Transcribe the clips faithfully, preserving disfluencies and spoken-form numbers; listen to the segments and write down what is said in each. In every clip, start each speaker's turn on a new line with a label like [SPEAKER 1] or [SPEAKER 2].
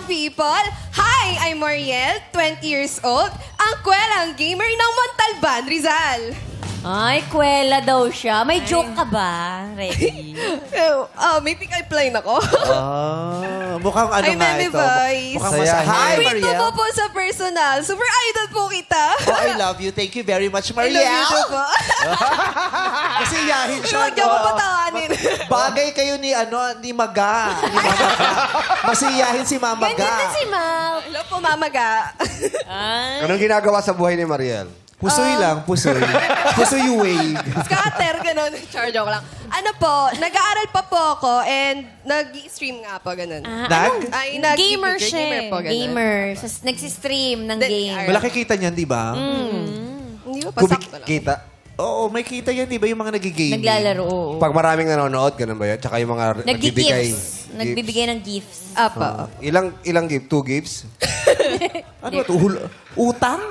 [SPEAKER 1] people! Hi, I'm Mariel, twenty years old, ang kwelang gamer ng Montalban, Rizal.
[SPEAKER 2] Ay, kwela daw siya. May joke ka ba? Ready?
[SPEAKER 1] Uh, may pick-up line ako.
[SPEAKER 3] Ah, mukhang ano
[SPEAKER 1] Ay,
[SPEAKER 3] nga
[SPEAKER 1] Meme
[SPEAKER 3] ito.
[SPEAKER 1] Voice.
[SPEAKER 3] Mukhang
[SPEAKER 4] Sayahin.
[SPEAKER 3] masa. Hi,
[SPEAKER 1] Wait
[SPEAKER 3] Mariel.
[SPEAKER 1] po po sa personal. Super idol po kita.
[SPEAKER 3] Oh, I love you. Thank you very much,
[SPEAKER 1] I
[SPEAKER 3] Mariel.
[SPEAKER 1] love you too po.
[SPEAKER 3] Kasi yahin siya.
[SPEAKER 1] Huwag niyo ako
[SPEAKER 3] no?
[SPEAKER 1] patawanin.
[SPEAKER 3] Bagay kayo ni ano ni Maga. Ni Mamaga. Masiyahin si Mamaga.
[SPEAKER 2] Ganyan na si Mal.
[SPEAKER 1] Hello po, mamaga.
[SPEAKER 2] Ay.
[SPEAKER 4] Anong ginagawa sa buhay ni Mariel?
[SPEAKER 3] Pusoy
[SPEAKER 1] Um,
[SPEAKER 3] lang, pusoy. Pusoy wave.
[SPEAKER 1] Scatter, ganun. Char, joke lang. Ano po, nag-aaral pa po ako and nag-stream nga po, ganun.
[SPEAKER 2] Ah,
[SPEAKER 3] Nag?
[SPEAKER 2] anong-
[SPEAKER 1] Ay, nag-
[SPEAKER 2] gamer siya.
[SPEAKER 1] gamer po, ganun.
[SPEAKER 2] Gamer. Sas- Nagsistream ng
[SPEAKER 1] Then,
[SPEAKER 2] game.
[SPEAKER 1] ar-
[SPEAKER 3] Malaki kita niyan, di ba?
[SPEAKER 1] Hindi ba pasakto lang?
[SPEAKER 4] Kita.
[SPEAKER 3] Oo, may kita yan, di ba? Yung mga nagigame.
[SPEAKER 2] Naglalaro, oo.
[SPEAKER 4] Pag maraming nanonood, ganun ba yan? Tsaka yung mga nagbibigay.
[SPEAKER 2] Nag-gifts. Nagbibigay ng gifts.
[SPEAKER 1] Apa.
[SPEAKER 4] Ilang ilang gift? Two gifts?
[SPEAKER 3] Ano ba ito? Hul- Utang?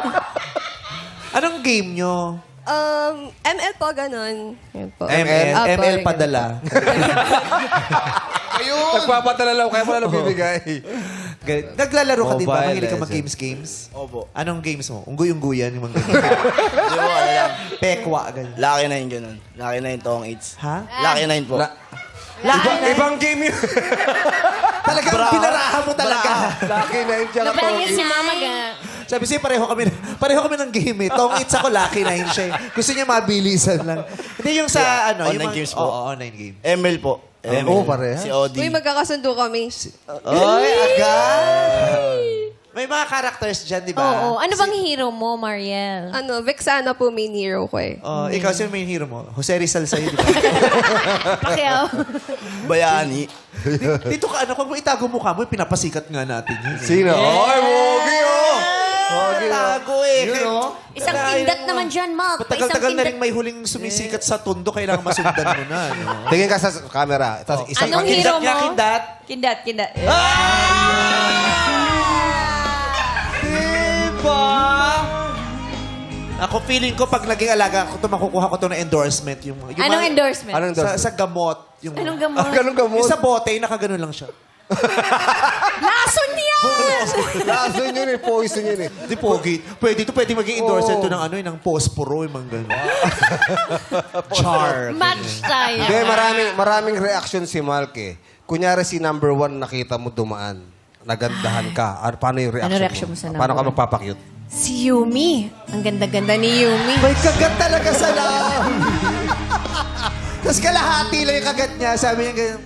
[SPEAKER 3] Anong game nyo?
[SPEAKER 1] Um, M L po, ganun. Yan po.
[SPEAKER 3] M L?
[SPEAKER 1] Apa,
[SPEAKER 3] M L
[SPEAKER 1] ganun.
[SPEAKER 3] padala.
[SPEAKER 4] Ayun! Nagpapadala lang, kaya mo na bibigay.
[SPEAKER 3] Ganun. Naglalaro ka din ba?
[SPEAKER 4] Mobile
[SPEAKER 3] Mahilig ka
[SPEAKER 4] Legends.
[SPEAKER 3] mag-games-games?
[SPEAKER 5] Opo.
[SPEAKER 3] Anong games mo? Unggoy-ungguyan yung mga games.
[SPEAKER 5] Di ko alam.
[SPEAKER 3] Pekwa, ganun.
[SPEAKER 5] Lucky Nine ganun. Lucky Nine tong eights.
[SPEAKER 3] Ha?
[SPEAKER 5] Lucky Nine po.
[SPEAKER 4] Na, iba, ibang game yun.
[SPEAKER 3] Talagang pinarahan mo talaga.
[SPEAKER 4] Lucky nine siya ka
[SPEAKER 2] Nabanggit si Mama ga.
[SPEAKER 3] Sabi siya, pareho kami, pareho kami ng game eh. Tong eights ako, lucky nine siya eh. Gusto niya mabilisan lang. Hindi yung sa
[SPEAKER 5] Yeah,
[SPEAKER 3] ano.
[SPEAKER 5] online
[SPEAKER 3] yung mga-
[SPEAKER 5] games po.
[SPEAKER 3] Oo, online game.
[SPEAKER 5] M L po. M L.
[SPEAKER 4] Oh, parehas.
[SPEAKER 5] Si Odi.
[SPEAKER 1] Uy, magkakasundo kami.
[SPEAKER 3] Oy, agad! May mga characters dyan, di ba?
[SPEAKER 2] Oo. Ano bang hero mo, Mariel?
[SPEAKER 1] Ano, Vexana po main hero ko eh.
[SPEAKER 3] Oh, ikaw sino main hero mo? Jose Rizal sa'yo, di ba?
[SPEAKER 2] Pacquiao.
[SPEAKER 5] Bayani.
[SPEAKER 3] Dito ka, ano, kung mo itago mukha mo, pinapasikat nga natin yun. eh.
[SPEAKER 4] Sino? Oy, Mogi oh! Mogi oh.
[SPEAKER 3] Tago eh.
[SPEAKER 4] Yun, oh.
[SPEAKER 2] Isang kindat naman dyan, Mark.
[SPEAKER 3] Matagal-tagal na rin may huling sumisikat sa tundo, kailangan masundan mo na. No?
[SPEAKER 4] Tingin ka sa camera. Tapos isang
[SPEAKER 2] Anong
[SPEAKER 4] pang-
[SPEAKER 2] hero
[SPEAKER 3] Kindat niya,
[SPEAKER 2] mo?
[SPEAKER 3] kindat.
[SPEAKER 2] Kindat, kindat.
[SPEAKER 3] Diba? Ako feeling ko pag naging alaga ako to makukuha ko to na endorsement yung, yung
[SPEAKER 2] Anong
[SPEAKER 3] mga-
[SPEAKER 2] endorsement?
[SPEAKER 4] Anong
[SPEAKER 3] sa,
[SPEAKER 4] endorsement?
[SPEAKER 3] sa gamot yung
[SPEAKER 2] Anong gamot?
[SPEAKER 4] Ah, ganun gamot.
[SPEAKER 3] Yung sa bote nakaganon lang siya.
[SPEAKER 2] Lason niya!
[SPEAKER 4] Lason yun eh. Poison yun eh.
[SPEAKER 3] Di pogi. Pwede to pwede maging endorsement
[SPEAKER 4] Oo.
[SPEAKER 3] to ng ano eh, ng posporo yung mga ganun. Char.
[SPEAKER 2] Match tayo.
[SPEAKER 4] Hindi, maraming, maraming reaction si Malk eh. Kunyari si number one nakita mo dumaan. Nagandahan ka. Ano, paano yung reaction,
[SPEAKER 2] Ano reaction mo sa number
[SPEAKER 4] Paano ka
[SPEAKER 2] one?
[SPEAKER 4] magpapakyut?
[SPEAKER 2] Si Yumi. Ang ganda-ganda ni Yumi.
[SPEAKER 3] May kagat talaga sa loob. Tapos kalahati lang yung kagat niya. Sabi niya ganyan.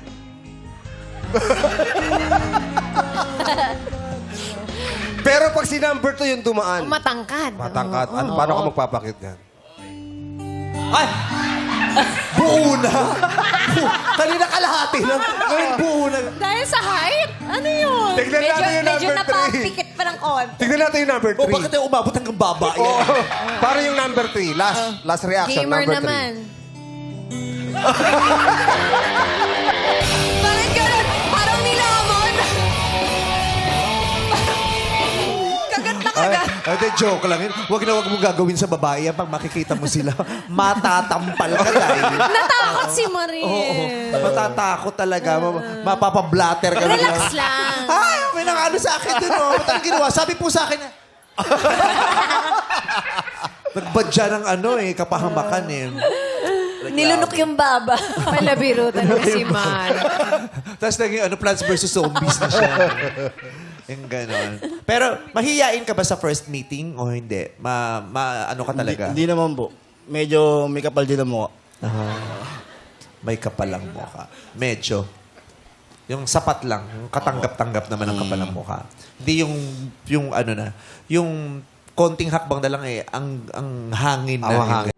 [SPEAKER 4] Pero pag si number two yung dumaan,
[SPEAKER 2] Matangkad.
[SPEAKER 4] matangkat,
[SPEAKER 2] Oo.
[SPEAKER 4] ano, paano ka magpapakyut yan?
[SPEAKER 3] Ay! Buo na! Kanina kalahati lang. Ngayon buo na.
[SPEAKER 2] Dahil sa height? Ano yun?
[SPEAKER 4] Tignan
[SPEAKER 2] medyo,
[SPEAKER 4] natin yung
[SPEAKER 2] medyo
[SPEAKER 4] number three.
[SPEAKER 2] napapikit pa ng konti.
[SPEAKER 4] Tignan natin yung number
[SPEAKER 3] O
[SPEAKER 4] three.
[SPEAKER 3] bakit tayo umabot hanggang baba yan?
[SPEAKER 4] Oo. Para yung number three. Last last reaction,
[SPEAKER 2] Gamer
[SPEAKER 4] number
[SPEAKER 2] naman.
[SPEAKER 1] Bakit ganun? Parang nilamon. Kagat na
[SPEAKER 3] Ay,
[SPEAKER 1] kagat.
[SPEAKER 3] ay, di, joke lang yun. Huwag na huwag mo gagawin sa babae yan. Pag makikita mo sila, matatampal ka tayo.
[SPEAKER 2] Natakot si Marie.
[SPEAKER 3] Oo. Matatakot talaga. Ma- Mapapablatter ka.
[SPEAKER 2] Relax lang.
[SPEAKER 3] Ay, may nakano sa akin dun. Oh. Ba't ang ginawa? Sabi po sa akin. Nagbadya ng ano eh, kapahamakan eh.
[SPEAKER 2] Nilunok yung baba. Palabiro talaga si Man.
[SPEAKER 3] Tapos naging ano, Plants versus Zombies na siya. Yung ganon. Pero mahihiyain ka ba sa first meeting o hindi? Ma, ma ano ka talaga?
[SPEAKER 5] Hindi, hindi naman po. Medyo may kapal din ang mukha.
[SPEAKER 3] May kapalang mukha. Medyo. Yung sapat lang. Yung katanggap-tanggap naman ang kapalang mukha. Hindi yung, yung ano na, yung konting hakbang na lang eh, ang, ang hangin na.
[SPEAKER 4] Ang
[SPEAKER 3] yung
[SPEAKER 4] hangin